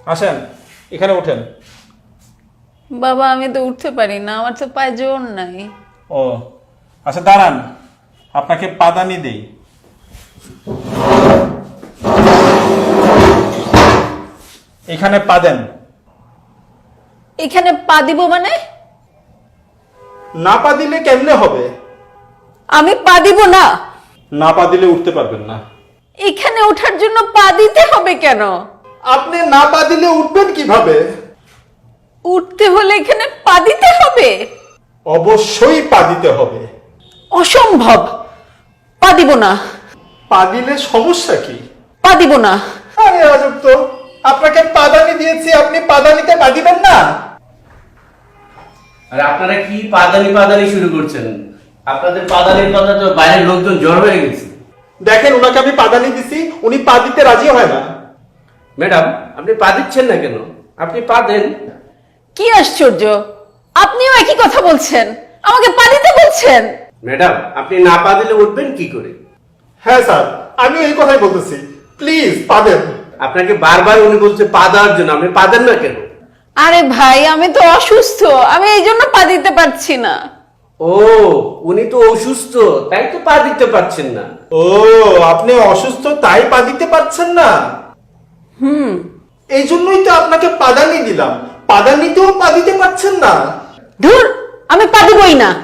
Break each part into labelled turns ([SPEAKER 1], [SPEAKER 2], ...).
[SPEAKER 1] আসেন, এখানে ওঠেন।
[SPEAKER 2] বাবা আমি তো উঠতে পারি না, আমার তো পায়ে জোর নাই।
[SPEAKER 1] ও আচ্ছা, দাঁড়ান, আপনাকে পাদানি দেই। এখানে পা দেন।
[SPEAKER 2] এখানে পা দিব মানে?
[SPEAKER 1] না পা দিলে কেমনে হবে?
[SPEAKER 2] আমি পা দিব না।
[SPEAKER 1] না পা দিলে উঠতে পারবেন না।
[SPEAKER 2] এখানে ওঠার জন্য পা দিতে হবে কেন?
[SPEAKER 1] আপনি না পা দিলে উঠবেন কিভাবে?
[SPEAKER 2] উঠতে হলে এখানে পা দিতে হবে?
[SPEAKER 1] অবশ্যই পা দিতে হবে।
[SPEAKER 2] অসম্ভব, পা দিব না।
[SPEAKER 1] পা দিলে সমস্যা কি?
[SPEAKER 2] পা দিব না।
[SPEAKER 1] আরে আজব তো, আপনাকে পাদানি দিয়েছি, আপনি পাদানিতে পা দিবেন না?
[SPEAKER 3] আর আপনারা কি পাদানি পাদানি শুরু করছেন? আপনাদের পাদানির কথা তো বাইরের লোকজন জড় হয়ে গেছে।
[SPEAKER 1] দেখেন, ওনাকে আমি পাদানি দিছি, উনি পা দিতে রাজি হয় না।
[SPEAKER 3] ম্যাডাম, আপনি পা দিচ্ছেন না কেন? আপনি পা দেন।
[SPEAKER 2] কি আশ্চর্য, আপনিও একই কথা বলছেন, আমাকে পা দিতে বলছেন।
[SPEAKER 3] ম্যাডাম, আপনি না পা দিলে উঠবেন কি করে?
[SPEAKER 1] হ্যাঁ স্যার, আমিও এই কথাই বলতেছি, প্লিজ পা দেন।
[SPEAKER 3] আপনাকে বারবার উনি বলছে পা দেওয়ার জন্য, আপনি পা দেন না কেন?
[SPEAKER 2] আরে ভাই আমি তো অসুস্থ, আমি এই জন্য পা দিতে পারছি না।
[SPEAKER 3] ও, উনি তো অসুস্থ, তাই তো পা দিতে পারছেন না।
[SPEAKER 1] ও, আপনি অসুস্থ তাই পা দিতে পারছেন না? এই জন্যই তো আপনাকে পাদানি দিলাম, পাদানিতেও পা দিতে পারছেন না।
[SPEAKER 2] ধুর, আমি পা দিবই না।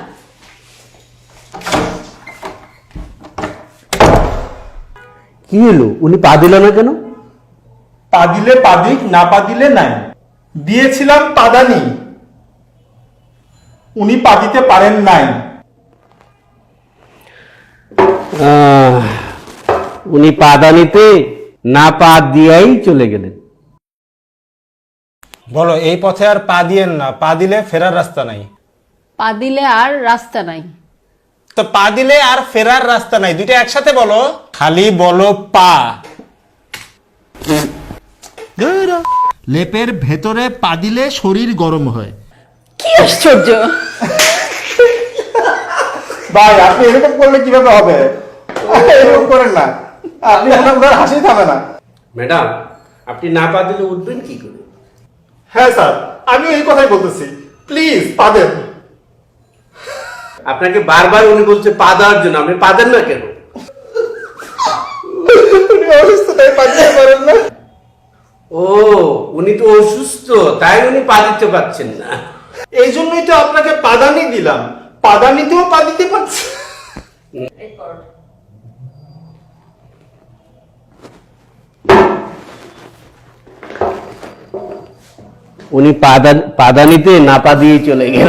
[SPEAKER 3] কি হলো, উনি পা দিল না কেন?
[SPEAKER 1] পা দিলে পা দিক, না পা দিলে নাই। দিয়েছিলাম পাদানি, উনি পা দিতে পারেন নাই।
[SPEAKER 3] উনি পাদানিতে না পা দিয়াই চলে গেলেন।
[SPEAKER 1] বলো, এই পথে আর পা দিয়েন না, পা দিলে ফেরার রাস্তা নাই।
[SPEAKER 2] পা দিলে আর রাস্তা নাই।
[SPEAKER 1] তো পা দিলে আর ফেরার রাস্তা নাই, দুইটা একসাথে বলো। খালি বলো পা। লেপের ভেতরে পা দিলে শরীর গরম হয়।
[SPEAKER 2] কি আশ্চর্য।
[SPEAKER 1] ভাই, আপনি এরকম করলে কিভাবে হবে? এরকম করেন না, আপনি ওনার হাসি থামে না।
[SPEAKER 3] ম্যাডাম, আপনি না পা দিলে উঠবেন কি করে?
[SPEAKER 1] হ্যাঁ স্যার, আমিও এই কথাই বলতেছি, প্লিজ পা দেন।
[SPEAKER 3] আপনাকে বারবার উনি বলছে পা দেওয়ার জন্য, আপনি পা দেন না কেন?
[SPEAKER 1] উনি অসুস্থ তাই পা দিতে পারেন না।
[SPEAKER 3] ও, উনি তো অসুস্থ তাই উনি পা দিতে পারছেন না।
[SPEAKER 1] এই জন্যই তো আপনাকে পাদানি দিলাম, পাদানিতেও পা দিতে পারছি।
[SPEAKER 3] উনি পাদানিতে না পা দিয়ে চলে গেল।